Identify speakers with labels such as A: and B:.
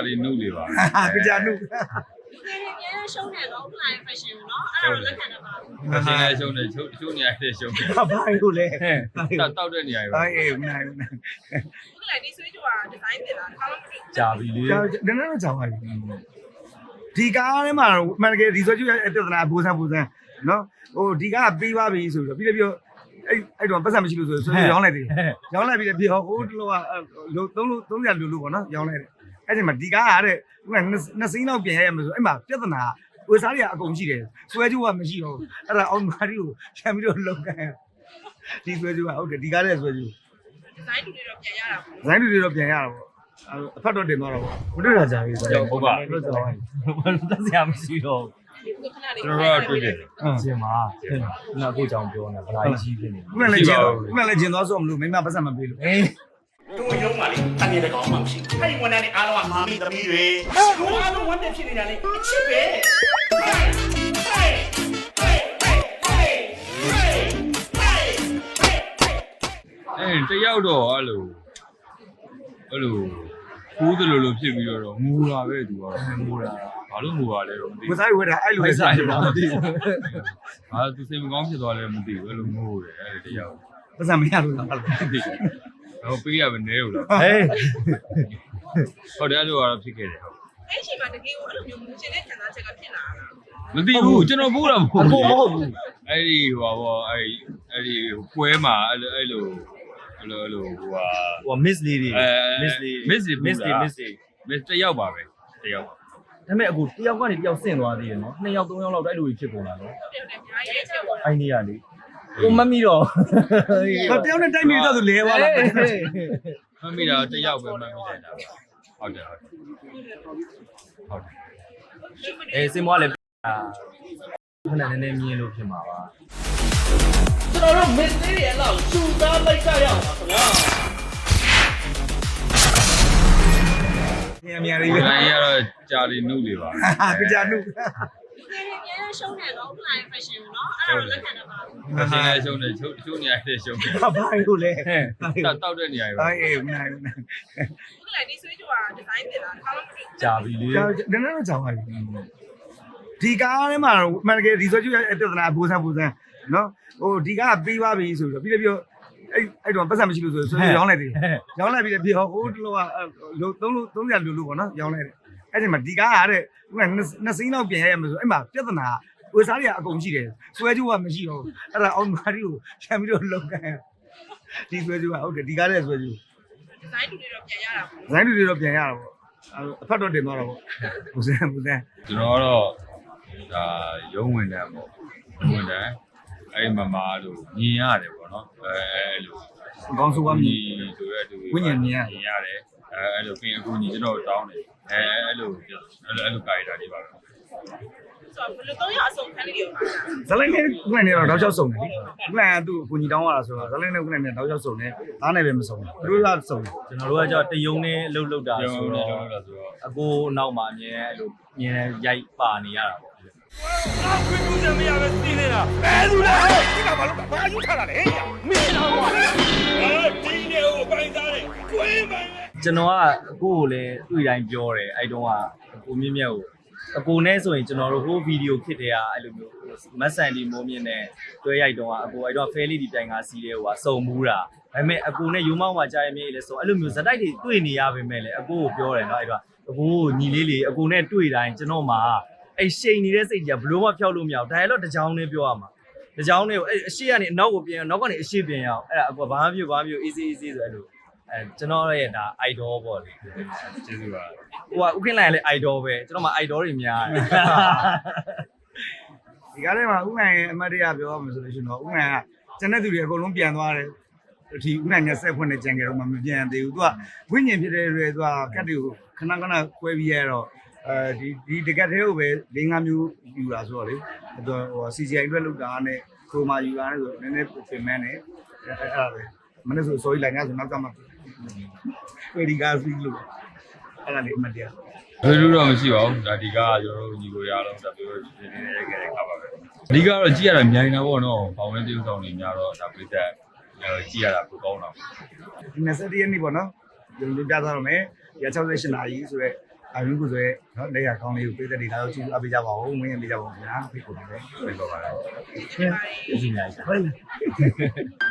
A: လီနုလေးပါ
B: ။ကြာနု
C: ။ပြန်ရှုံးတယ်တော့ online fashion ကိုနော်အဲ့ဒါလက်ခံတော့ပါဘူး။
A: fashion လည်းရှုံးတယ်ချိုးနေရတယ်ရှုံးတယ်
B: ။ဘာလို့လဲ
A: ။တောက်တဲ့နေရာပဲ
B: ။အေးမနိုင်ဘူး။
C: online ဒီဆွေးကြွားဒီဇိုင်းတင်တာကောင်းလို့
D: ကြာပြီလေ
B: ။နည်းနည်းတော့ကြာပါပြီ။ဒီကားထဲမှာမှန်တကယ်ဒီဆိုကျရဲ့ပြဿနာပူစမ်းနော်။ဟိုဒီကားပြီးပါပြီဆိုတော့ပြီးတော့အဲ့တော့ပတ်စံမရှိလို့ဆိုရောင်းလိုက်တယ်။ရောင်းလိုက်ပြီးပြီးဟိုတလောက300လူပေါ့နော်ရောင်းလိုက်တယ်။အဲ့ဒီမှာဒီကားကတဲ့နှစ်စင်းလောက်ပြင်ရရမယ်ဆိုအဲ့မှာပြဿနာဝယ်စားတွေကအကုန်ရှိတယ်။ဆွဲကြိုးကမရှိတော့ဘူး။အဲ့ဒါအောင်မာရီကိုချမ်းပြီးတော့လုံကန်။ဒီဆွဲကြိုးကဟုတ်တယ်ဒီကားတဲ့ဆွဲကြိုး
C: ဒီဇိုင်းတူတွေတော့ပြန်ရတာပေါ့
B: ။ဇိုင်းတွေတော့ပြန်ရတာပေါ့။အဖတ်တော့တင်သွားတော့မတွေ့တာကြာပြီဆိုတော့
D: ဟုတ်ပါလို့ဆိုတော့တက်စရာမရှိတော့
A: ကျွန်တော်တို့တွေ့တယ်
D: ကျင်ပါခုနကိုကြောင်ပြောနေတာဗလာကြီးဖြစ်နေ
B: ခုနလည်းကျင်သွားဆိုမလို့မိမပတ်စံမပေးလို့
E: တို့ရုံးပါလေအမြဲတကောင်းမှမရှိဘူးအဲ့ဒီဝန်ထမ်းတွေအားလုံးကမာမိသမီးတွေတို့အားလုံးဝန်ထမ်းဖြစ်နေတာလေအချစ်ပဲ
A: တယောက်တော့အဲ့လိုကူးတယ်လို့ဖြစ်ပြီးတော့ငူလာပဲသူကငူလာဘာလို့ငူပါလဲတော့မသိဘူး
B: ဝစားဝဲတာအဲ့လိုပဲ
A: စားတယ်မသိဘူးဟာသူစိတ်မကောင်းဖြစ်သွားလဲမသိဘူးအဲ့လိုငိုတယ်အဲ့တယောက်
B: ပတ်စံမရလို့လား
A: ဟိုပေးရမနေဘူးလား
B: ဟေး
A: ဟုတ်တယ်အဲ့လိုကတော့ဖြစ်ခဲ့တယ်ဟုတ်
C: အဲ့ချိန်မှာတကယ်ကိုအဲ့လိုမျိုးမူချင်တဲ့ခံစားချက်ကဖြစ်လာတာ
A: မသိဘူးကျွန်တော်ပို့တာမဟုတ်
B: ဘူးမဟုတ်ဘူး
A: အဲ့ဒီဟိုပါအဲ့ဒီပွဲမှာအဲ့လို
D: ဟို miss လေးတွေ
A: miss တယောက်ပါပဲတယောက်
D: ဒါပေမဲ့အခုတယောက်ကနေတယောက်ဆင့်သွားသေးတယ်နော်2ယောက်3ယောက်လောက်တိုက်လို့ဖြစ်ကုန်တာနော်
C: ဟုတ်တယ်အများကြီးချက်ပေါ့
D: အိုင်နေရလေကိုမမီတော့
B: တယောက်နဲ့တိုက်မိတော့သူလဲသွားလား
A: မမီတာတယောက်ပဲမမီတယ်ဟုတ်တယ်
D: စင်မွားလည်းခဏနည်းနည်းမြင်လို့ဖြစ်မှာပါ
E: ကျွန်တော်တို့မစ်လေးတွေအလောက်ရှူသားလိုက်ကြရအောင်ပါခင်ဗျာ
B: မြန်လေးပဲ
A: ။တိုင်းကတော့ကြာလီနုလေးပါ
B: ကြာနု
C: ပြန်ရှုံးတယ်တော့ online fashion ကိုနော်အဲ့ဒါလက်ခံတော့ပါဘူး။
A: fashion လည်းရှုံးတယ်ချိုးနေရတယ်ရှုံးတယ်
B: ဘာလို့လဲ
A: တောက်တဲ့နေရာပဲ
B: အေးမနိုင်ဘူး
C: online ဒီဆွေးကြွားဒီဇိုင်းတင်တာကောင်းလို့
D: ကြာပြီလေ
B: နည်းနည်းတော့ကြာပါပြီဒီကားထဲမှာမှန်တကယ်ဒီဆိုကျရဲ့ပြဿနာပူစမ်းနော်ဟိုဒီကားပြီးပါပြီဆိုတော့ပြီးတော့အဲ့တော့ပတ်စံမရှိလို့ဆိုရောင်းလိုက်တယ်ရောင်းလိုက်ပြီးပြီးဟိုတလောက300လူပေါ့နော်ရောင်းလိုက်တယ်အဲ့ဒီမှာဒီကားကတဲ့နှစ်စင်းလောက်ပြင်ရရမယ်ဆိုအဲ့မှာပြဿနာဝယ်စားတွေကအကုန်ရှိတယ်ဆွဲကြိုးကမရှိတော့ဘူးအဲ့ဒါအောင်မာရီကိုချမ်းပြီးတော့လုံကန်ဒီဆွဲကြိုးကဟုတ်တယ်ဒီကားတဲ့ဆွဲကြိုး
C: ဒီဇိုင်းတူတွေတော့ပြန်ရတာပေါ့
B: ဒီဇိုင်းတူတွေတော့ပြန်ရတာပေါ့အဖတ်တော့တင်သွားတော့ပေါ့ဘူးစမ်း
A: ကျွန်တော်ကတော့ဒါရုံးဝင်တယ်ပေါ့ဝင်တယ်အဲ့မမလို့မြင်ရတယ်ပေါ့နော်အဲ့လို
B: အကောင်းဆုံးကမြင်
A: ဆိုရဲသူ
B: ဝိညာဉ်မြင်
A: ရတယ်အဲ့လိုပြင်အခုညီကျွန်တော်တောင်းတယ်အဲ့လိုကာရီတာတွေပါပဲ
C: ဆိုတော့ဘယ်လိုတော့ရအဆုံးခံနေရောပါ
B: ဇလိုင်းနဲ့ခုနကတော့တောက်ချောက်စုံတယ်ခုနကသူ့ကိုညီတောင်းရတာဆိုတော့ဇလိုင်းနဲ့ခုနကတောက်ချောက်စုံတယ်သားနဲ့ပဲမစုံဘူးသူတို့ကစုံတယ်
D: ကျွန်တော်တို့ကကြောက်တယုံနဲ့အလုပ်လုပ်တာဆိုတော့အကိုနောက်မှာအမြဲအဲ့လိုမြင်ရိုက်ပါနေရတာပေါ့
E: ခွင့်ပြုချက်မရပဲစီးနေတာဘယ်သူလဲဒီကဘာလို့ဘာယူထားတာလဲမင်းတော့ဒီနေကိုပိုင်းသားတယ်ကွင်းပိုင်း
D: ကျွန်တော်ကအကိုကိုလည်းတွေ့တိုင်းပြောတယ်အဲ့တုန်းကကိုမြင့်မြတ်ကိုအကိုနဲ့ဆိုရင်ကျွန်တော်တို့ဟိုဗီဒီယိုခစ်တဲ့အဲ့လိုမျိုးမတ်ဆန်ဒီမိုးမြင့်နဲ့တွဲရိုက်တုန်းကအကိုအဲ့တော့ဖဲလေးဒီတိုင်ကစီးတဲ့ဟိုကစုံမှုတာဒါပေမဲ့အကိုနဲ့ယူမောင်းမှာကြားရမြေလေဆိုအဲ့လိုမျိုးဇက်တိုက်တွေတွေ့နေရပါမယ်လေအကိုကိုပြောတယ်နော်အဲ့တော့အကိုညီလေးလေးအကိုနဲ့တွေ့တိုင်းကျွန်တော်မှာအဲ့ရှိန်နေတဲ့စိတ်ကြီးကဘလို့မှဖျောက်လို့မရဘူးဒါရတော့တကြောင်နဲ့ပြောရမှာတကြောင်နဲ့ကိုအဲ့အရှိကနေအနောက်ကိုပြင်နောက်ကနေအရှိပြင်ရအောင်အဲ့ဒါအကွာဘာမှမပြုတ် easy ဆိုအဲ့လိုကျွန်တော်ရဲ့ဒါ idol ပေါ့လေ
A: ကျေးဇူးပါ
D: ဟိုကဥက္ကဋ္ဌလည်း idol ပဲကျွန်တော်မှာ idol တွေများတယ်
B: ဒီကားထဲမှာဥက္ကဋ္ဌရဲ့အမတ်တရားပြောရမှာဆိုလို့ရှိရင်တော့ဥက္ကဋ္ဌကကျန်တဲ့သူတွေအကုန်လုံးပြန်သွားတယ်ဒီဥက္ကဋ္ဌနဲ့ဆက်ဖွင့်နေကြံကြတော့မှမပြန်သေးဘူးသူကဝိညာဉ်ဖြစ်တဲ့တွေသူကကတ်တွေကိုခဏကွဲပြီးရတော့ဒီတကက်သေးကိုပဲ4-5မျိုးယူတာဆိုတော့လေဟို CGI အတွက်လောက်တာနဲ့ခရိုမာယူတာနဲ့ဆိုနည်းနည်းပြင်မှန်းတယ်အဲ့ဒါပဲမနေ့ဆိုစိုးရိမ်လိုက်ငါဆိုနောက်ကမှပေဒီကာစီလို့အဲ့ဒါလေးအမှတ်တရ
A: ဘယ်လိုတော့မရှိပါဘူးဒါဒီကကျွန်တော်တို့ညီကိုရအောင်ဒါပြောနေနေရိုက်ခဲ့တဲ့ခါပါပဲအဓိကတော့ကြည့်ရတာမြိုင်တာပေါ့နော်ဘောင်ဝင်းtiêuဆောင်နေများတော့ဒါပြသက်ကြည့်ရတာပိုကောင်းတာ
B: ဒီ21ရက်နေ့ပေါ့နော်ကျွန်တော်ပြသရမယ်ရ68နာရီဆိုတော့အာရုံကိုဆိုရဲနော်လက်ရကောင်းလေးကိုပေးတဲ့ဒီလာတော့ကြည့်အပေးကြပါဦးဝင်းရပေးကြပါဦးခင်ဗျာဖိတ်ခေါ်ပါမယ်
A: ပြေပါပါလား
D: ကျေးဇူးများပါ
B: ဟုတ်